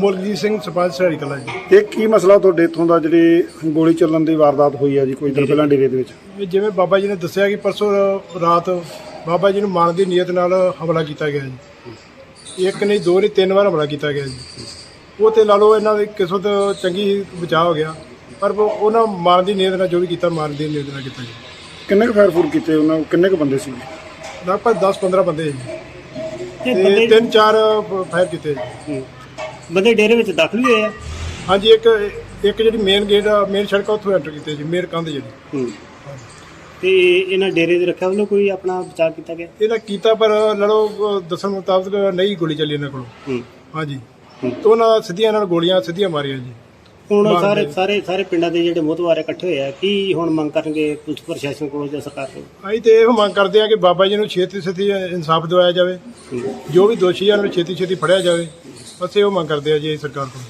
ਅਮੋਲਜੀਤ ਸਿੰਘ ਸਰਪੰਚ ਸਹੇੜੀ ਕਲਾਂ ਜੀ। ਇਹ ਕੀ ਮਸਲਾ ਤੁਹਾਡੇ ਇੱਥੋਂ ਦਾ ਜਿਹੜੀ ਗੋਲੀ ਚੱਲਣ ਦੀ ਵਾਰਦਾਤ ਹੋਈ ਆ ਜੀ ਕੁਝ ਦਿਨ ਪਹਿਲਾਂ ਡੇਰੇ ਦੇ ਵਿੱਚ? ਇਹ ਜਿਵੇਂ ਬਾਬਾ ਜੀ ਨੇ ਦੱਸਿਆ ਕਿ ਪਰਸੋਂ ਰਾਤ ਬਾਬਾ ਜੀ ਨੂੰ ਮਾਰਨ ਦੀ ਨੀਅਤ ਨਾਲ ਹਮਲਾ ਕੀਤਾ ਗਿਆ ਜੀ। ਇੱਕ ਨਹੀਂ, ਦੋ ਨਹੀਂ, 3 ਵਾਰ ਹਮਲਾ ਕੀਤਾ ਗਿਆ ਜੀ। ਉਹ ਤੇ ਲਾ ਲਓ ਇਹਨਾਂ ਦੀ ਕਿਸਮਤ ਚੰਗੀ ਬਚਾਅ ਹੋ ਗਿਆ, ਪਰ ਉਹਨਾਂ ਮਾਰਨ ਦੀ ਨੀਅਤ ਨਾਲ ਜੋ ਵੀ ਕੀਤਾ ਮਾਰਨ ਦੀ ਨੀਅਤ ਨਾਲ ਕੀਤਾ ਜੀ। ਕਿੰਨੇ ਕੁ ਫਾਇਰ ਫੂਰ ਕੀਤੇ ਉਹਨਾਂ? ਕਿੰਨੇ ਕੁ ਬੰਦੇ ਸੀ? ਲਗਭਗ 10-15 ਬੰਦੇ ਜੀ, ਤੇ 3-4 ਫਾਇਰ ਕੀਤੇ ਜੀ। ਬੰਦੇ ਡੇਰੇ ਵਿੱਚ ਦਾਖਲ ਹੋਏ ਆ? ਹਾਂਜੀ, ਇੱਕ ਜਿਹੜੀ ਮੇਨ ਗੇਟ ਮੇਨ ਸੜਕ ਆ ਉੱਥੋਂ ਐਂਟਰ ਕੀਤੇ ਜੀ, ਮੇਨ ਕੰਧ ਜਿਹੜੀ। ਤੇ ਇਹਨਾਂ ਡੇਰੇ ਦੇ ਰੱਖਿਆ ਵੱਲੋਂ ਕੋਈ ਆਪਣਾ ਬਚਾਅ ਕੀਤਾ ਗਿਆ? ਇਹਨਾਂ ਕੀਤਾ, ਪਰ ਲੜੋ ਦੱਸਣ ਮੁਤਾਬਕ ਨਹੀਂ ਗੋਲੀ ਚੱਲੀ ਇਹਨਾਂ ਕੋਲੋਂ। ਹਾਂਜੀ, ਤੇ ਉਹਨਾਂ ਸਿੱਧੀਆਂ ਇਹਨਾਂ ਨੂੰ ਗੋਲੀਆਂ ਸਿੱਧੀਆਂ ਮਾਰੀਆਂ ਜੀ। ਹੁਣ ਸਾਰੇ ਪਿੰਡਾਂ ਦੇ ਜਿਹੜੇ ਮੋਹਤਵਾਰ ਇਕੱਠੇ ਹੋਏ ਆ, ਕੀ ਹੁਣ ਮੰਗ ਕਰਨਗੇ ਪੁਲਿਸ ਪ੍ਰਸ਼ਾਸਨ ਕੋਲੋਂ ਜਾਂ ਸਰਕਾਰ ਕੋਲੋਂ? ਅਸੀਂ ਤੇ ਇਹੋ ਮੰਗ ਕਰਦੇ ਆ ਕਿ ਬਾਬਾ ਜੀ ਨੂੰ ਛੇਤੀ ਇਨਸਾਫ ਦਿਵਾਇਆ ਜਾਵੇ, ਜੋ ਵੀ ਦੋਸ਼ੀ ਆ ਉਹਨੂੰ ਛੇਤੀ ਫੜਿਆ ਜਾਵੇ। ਬਸ ਇਹੋ ਮੰਗ ਕਰਦੇ ਆ ਜੀ ਸਰਕਾਰ ਕੋਲ।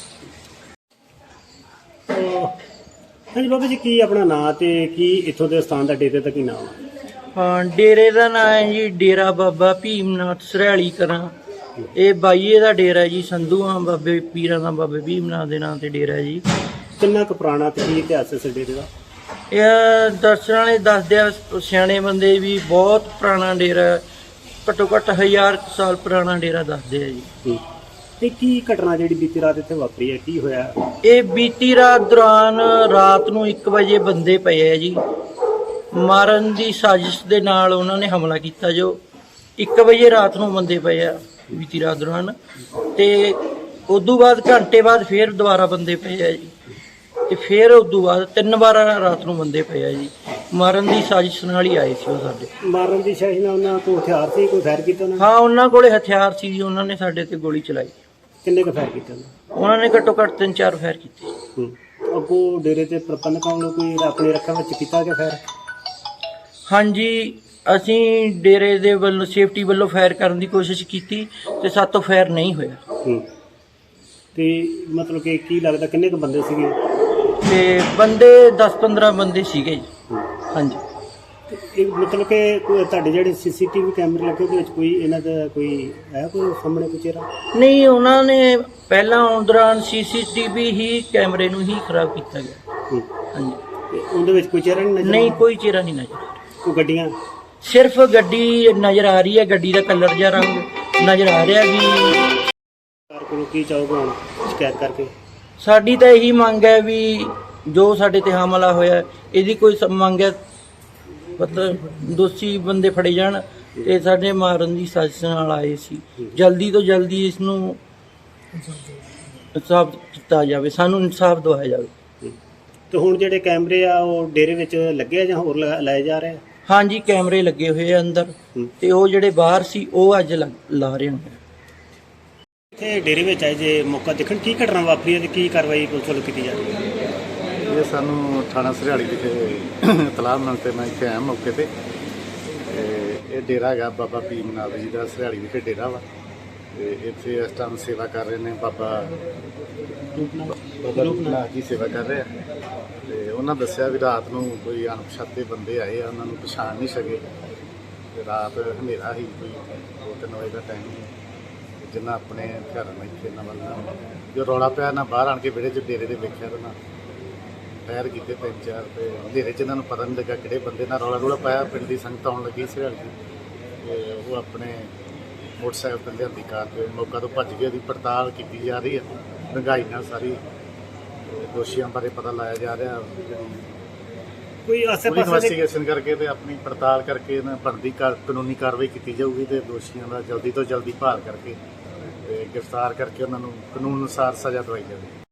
ਹਾਂਜੀ ਬਾਬਾ ਜੀ, ਕੀ ਆਪਣਾ ਨਾਂ ਤੇ ਕੀ ਇੱਥੋਂ ਦੇ ਸਥਾਨ ਦਾ ਡੇਰੇ ਦਾ ਕੀ ਨਾਮ ਹੈ? ਹਾਂ, ਡੇਰੇ ਦਾ ਨਾਂ ਹੈ ਜੀ ਡੇਰਾ ਬਾਬਾ ਭੀਮਨਾਥ ਸਰਿਆਲੀ ਕਰਾਂ। ਇਹ ਬਾਈਏ ਦਾ ਡੇਰਾ ਜੀ, ਸੰਧੂਆਂ ਬਾਬੇ ਪੀਰਾਂ ਦਾ ਬਾਬੇ ਭੀਮਨਾਥ ਦੇ ਨਾਂ ਤੇ ਡੇਰਾ ਜੀ। ਕਿੰਨਾ ਕੁ ਪੁਰਾਣਾ ਤੇ ਕੀ ਇਤਿਹਾਸ ਹੈ ਇਸ ਡੇਰੇ ਦਾ? ਇਹ ਦਰਸ਼ਨ ਵਾਲੇ ਦੱਸਦੇ ਆ ਸਿਆਣੇ ਬੰਦੇ ਵੀ ਬਹੁਤ ਪੁਰਾਣਾ ਡੇਰਾ, ਘੱਟੋ ਘੱਟ 1000 ਸਾਲ ਪੁਰਾਣਾ ਡੇਰਾ ਦੱਸਦੇ ਆ ਜੀ। ਤੇ ਕੀ ਘਟਨਾ ਜਿਹੜੀ ਬੀਤੀ ਰਾਤ ਇੱਥੇ ਵਾਪਰੀ ਹੈ, ਕੀ ਹੋਇਆ? ਇਹ ਬੀਤੀ ਰਾਤ ਦੌਰਾਨ ਰਾਤ ਨੂੰ 1 ਵਜੇ ਬੰਦੇ ਪਏ ਆ ਜੀ, ਮਾਰਨ ਦੀ ਸਾਜ਼ਿਸ਼ ਦੇ ਨਾਲ ਉਹਨਾਂ ਨੇ ਹਮਲਾ ਕੀਤਾ। ਜੋ 1 ਵਜੇ ਰਾਤ ਨੂੰ ਬੰਦੇ ਪਏ ਆ ਬੀਤੀ ਰਾਤ ਦੌਰਾਨ, ਤੇ ਉਦੋਂ ਬਾਅਦ ਘੰਟੇ ਬਾਅਦ ਫੇਰ ਦੁਬਾਰਾ ਬੰਦੇ ਪਏ ਆ ਜੀ, ਤੇ ਫੇਰ ਉਦੋਂ ਬਾਅਦ 3 ਵਾਰ ਰਾਤ ਨੂੰ ਬੰਦੇ ਪਏ ਆ ਜੀ। ਮਾਰਨ ਦੀ ਸਾਜ਼ਿਸ਼ ਨਾਲ ਹੀ ਆਏ ਸੀ ਉਹ ਸਾਡੇ। ਮਾਰਨ ਦੀ ਸਾਜ਼ਿਸ਼ ਨਾਲ ਉਹਨਾਂ ਕੋਲ ਹਥਿਆਰ ਸੀ? ਕੋਈ ਫਾਇਰ ਕੀਤਾ ਉਹਨਾਂ ਨੇ? ਹਾਂ, ਉਹਨਾਂ ਕੋਲੇ ਹਥਿਆਰ ਸੀ ਜੀ, ਉਹਨਾਂ ਨੇ ਸਾਡੇ ਤੇ ਗੋਲੀ ਚਲਾਈ। ਕਿੰਨੇ ਕੁ ਫਾਇਰ ਕੀਤੇ ਉਹਨਾਂ ਨੇ ਘੱਟੋ ਘੱਟ 3-4 ਫਾਇਰ ਕੀਤੇ। ਅੱਗੋਂ ਡੇਰੇ ਤੇ ਪ੍ਰਬੰਧਕਾਂ ਵੱਲੋਂ ਕੋਈ ਆਪਣੇ ਰੱਖਿਆ ਵਿੱਚ ਕੀਤਾ ਗਿਆ ਫਾਇਰ? ਹਾਂਜੀ, ਅਸੀਂ ਡੇਰੇ ਦੇ ਵੱਲੋਂ ਸੇਫਟੀ ਵੱਲੋਂ ਫਾਇਰ ਕਰਨ ਦੀ ਕੋਸ਼ਿਸ਼ ਕੀਤੀ ਤੇ ਸਾਤੋਂ ਫਾਇਰ ਨਹੀਂ ਹੋਇਆ। ਤੇ ਮਤਲਬ ਕਿ ਕੀ ਲੱਗਦਾ ਕਿੰਨੇ ਕੁ ਬੰਦੇ ਸੀਗੇ? ਤੇ ਬੰਦੇ 10-15 ਬੰਦੇ ਸੀਗੇ ਜੀ। ਹਾਂਜੀ, ਤੇ ਇਹ ਮਤਲਬ ਕਿ ਤੁਹਾਡੇ ਜਿਹੜੇ ਸੀਸੀਟੀਵੀ ਕੈਮਰੇ ਲੱਗੇ ਉਹਦੇ ਵਿੱਚ ਕੋਈ ਇਹਨਾਂ ਦਾ ਕੋਈ ਹੈ ਕੋਈ ਸਾਹਮਣੇ ਕੋਈ ਚਿਹਰਾ? ਨਹੀਂ, ਉਹਨਾਂ ਨੇ ਪਹਿਲਾਂ ਆਉਣ ਦੌਰਾਨ ਸੀਸੀਟੀਵੀ ਹੀ ਕੈਮਰੇ ਨੂੰ ਹੀ ਖਰਾਬ ਕੀਤਾ ਗਿਆ। ਹਾਂਜੀ, ਤੇ ਉਹਦੇ ਵਿੱਚ ਕੋਈ ਚਿਹਰਾ ਨਹੀਂ ਨਜ਼ਰ? ਨਹੀਂ, ਕੋਈ ਚਿਹਰਾ ਨਹੀਂ ਨਜ਼ਰ ਆ ਰਿਹਾ। ਕੋਈ ਗੱਡੀਆਂ? ਸਿਰਫ ਗੱਡੀ ਨਜ਼ਰ ਆ ਰਹੀ ਹੈ, ਗੱਡੀ ਦਾ ਕਲਰ ਜਾਂ ਰੰਗ ਨਜ਼ਰ ਆ ਰਿਹਾ ਵੀ। ਸਰਕਾਰ ਕੋਲੋਂ ਕੀ ਚਾਹੋਗੇ ਹੁਣ ਸ਼ਿਕਾਇਤ ਕਰਕੇ? ਸਾਡੀ ਤਾਂ ਇਹੀ ਮੰਗ ਹੈ ਵੀ ਜੋ ਸਾਡੇ ਤੇ ਹਮਲਾ ਹੋਇਆ ਇਹਦੀ ਕੋਈ ਮੰਗ ਹੈ, ਮਤਲਬ ਦੋਸ਼ੀ ਬੰਦੇ ਫੜੇ ਜਾਣ ਤੇ ਸਾਡੇ ਮਾਰਨ ਦੀ ਸਾਜ਼ਿਸ਼ ਨਾਲ ਆਏ ਸੀ। ਜਲਦੀ ਤੋਂ ਜਲਦੀ ਇਸ ਨੂੰ ਇਨਸਾਫ ਕੀਤਾ ਜਾਵੇ, ਸਾਨੂੰ ਇਨਸਾਫ ਦਿਵਾਇਆ ਜਾਵੇ। ਤੇ ਹੁਣ ਜਿਹੜੇ ਕੈਮਰੇ ਆ ਉਹ ਡੇਰੇ ਵਿੱਚ ਲੱਗੇ ਆ ਜਾਂ ਹੋਰ ਲਾਏ ਜਾ ਰਹੇ ਆ? ਹਾਂਜੀ, ਕੈਮਰੇ ਲੱਗੇ ਹੋਏ ਆ ਅੰਦਰ, ਤੇ ਉਹ ਜਿਹੜੇ ਬਾਹਰ ਸੀ ਉਹ ਅੱਜ ਲਾ ਰਹੇ ਨੇ। ਇੱਥੇ ਡੇਰੇ ਵਿੱਚ ਆਏ ਜੇ ਮੌਕਾ ਦੇਖਣ, ਕੀ ਘਟਨਾ ਵਾਪਰੀ ਹੈ ਤੇ ਕੀ ਕਾਰਵਾਈ ਪੁਲਿਸ ਵੱਲੋਂ ਕੀਤੀ ਜਾ ਰਹੀ ਹੈ? ਇਹ ਸਾਨੂੰ ਥਾਣਾ ਸਰਿਆਲੀ ਵਿਖੇ ਇਤਲਾਹ ਮਿਲਣ ਤੇ ਮੈਂ ਇੱਥੇ ਆਇਆ ਮੌਕੇ ਤੇ। ਇਹ ਡੇਰਾ ਹੈਗਾ ਬਾਬਾ ਭੀਮਨਾਥ ਜੀ ਦਾ, ਸਰਿਆਲੀ ਵਿਖੇ ਡੇਰਾ ਵਾ। ਤੇ ਇੱਥੇ ਇਸ ਟਾਈਮ ਸੇਵਾ ਕਰ ਰਹੇ ਨੇ ਬਾਬਾ ਰੂਪਨਾਥ ਜੀ, ਸੇਵਾ ਕਰ ਰਹੇ ਆ। ਤੇ ਉਹਨਾਂ ਦੱਸਿਆ ਵੀ ਰਾਤ ਨੂੰ ਕੋਈ ਅਣਪਛਾਤੇ ਬੰਦੇ ਆਏ ਆ, ਉਹਨਾਂ ਨੂੰ ਪਛਾਣ ਨਹੀਂ ਸਕੇ। ਤੇ ਰਾਤ ਹਨੇਰਾ ਸੀ, ਕੋਈ 2-3 ਵਜੇ ਦਾ ਟਾਈਮ ਸੀ। ਜਿੰਨਾ ਆਪਣੇ ਘਰ ਨਾਲ ਇੱਥੇ ਨਵਾਂ ਜੋ ਰੌਲਾ ਪਿਆ ਨਾ, ਬਾਹਰ ਆਣ ਕੇ ਵਿਹੜੇ 'ਚ ਡੇਰੇ ਦੇ ਵੇਖਿਆ ਤਾਂ ਨਾ ਫਾਇਰ ਕੀਤੇ 3-4। ਤੇ ਹਨੇਰੇ 'ਚ ਇਹਨਾਂ ਨੂੰ ਪਤਾ ਨਹੀਂ ਲੱਗਾ ਕਿਹੜੇ ਬੰਦੇ ਨਾਲ ਰੌਲਾ ਪਾਇਆ। ਪਿੰਡ ਦੀ ਸੰਗਤ ਆਉਣ ਲੱਗੀ ਸਰਿਆਲੀ ਦੀ, ਤੇ ਉਹ ਆਪਣੇ ਮੋਟਰਸਾਈਕਲ ਤੇ ਲਿਆਂਦੀ ਕਾਰ ਤੇ ਮੌਕਾ ਤੋਂ ਭੱਜ ਗਏ। ਉਹਦੀ ਪੜਤਾਲ ਕੀਤੀ ਜਾ ਰਹੀ ਹੈ ਡੂੰਘਾਈ ਨਾਲ, ਸਾਰੀ ਦੋਸ਼ੀਆਂ ਬਾਰੇ ਪਤਾ ਲਾਇਆ ਜਾ ਰਿਹਾ। ਕੋਈ ਆਸੇ-ਪਾਸੇ ਇਨਵੈਸਟੀਗੇਸ਼ਨ ਕਰਕੇ ਤੇ ਆਪਣੀ ਪੜਤਾਲ ਕਰਕੇ ਇਹਨਾਂ ਬਣਦੀ ਕਾਨੂੰਨੀ ਕਾਰਵਾਈ ਕੀਤੀ ਜਾਊਗੀ, ਤੇ ਦੋਸ਼ੀਆਂ ਦਾ ਜਲਦੀ ਤੋਂ ਜਲਦੀ ਭਾਲ ਕਰਕੇ ਤੇ ਗ੍ਰਿਫਤਾਰ ਕਰਕੇ ਉਹਨਾਂ ਨੂੰ ਕਾਨੂੰਨ ਅਨੁਸਾਰ ਸਜ਼ਾ ਦਵਾਈ ਜਾਵੇ।